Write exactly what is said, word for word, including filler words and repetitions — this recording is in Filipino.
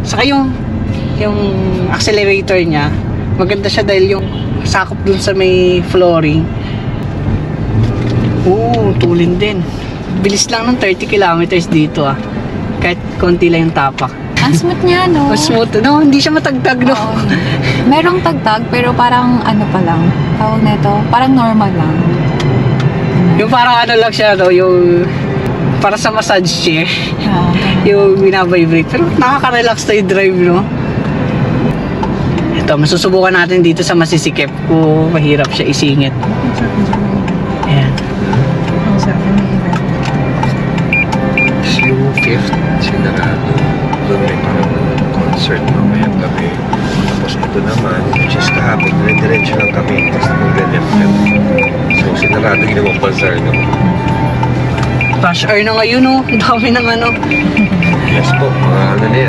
Saka yung, yung accelerator niya, maganda siya dahil yung sakop dun sa may flooring. Oo, tulin din. Bilis lang ng thirty kilometers dito ah. Kahit konti lang yung tapak. Ang smooth niya, no? Mas smooth, no? Hindi siya matagtag, no? Oo. Merong tagtag, pero parang ano pa lang. Tawag na ito, parang normal lang. Yung parang ano lang siya, no? Yung para sa massage chair. Ah, Yung binabibrate. Pero nakaka-relax tayo drive, no? Ito, masusubukan natin dito sa masisikip kung mahirap siya isingit. Ayan. Yung fifth, sinarado. Doon may parang concert mamayang gabi. Tapos ito naman, which is kahapon, dire-diretso lang kami. Tapos mag-left kami. So, sinarado yung namang bazaar naman. Rush hour na ngayon, no? Ang dami ng ano. Yes po, mga ano na yan.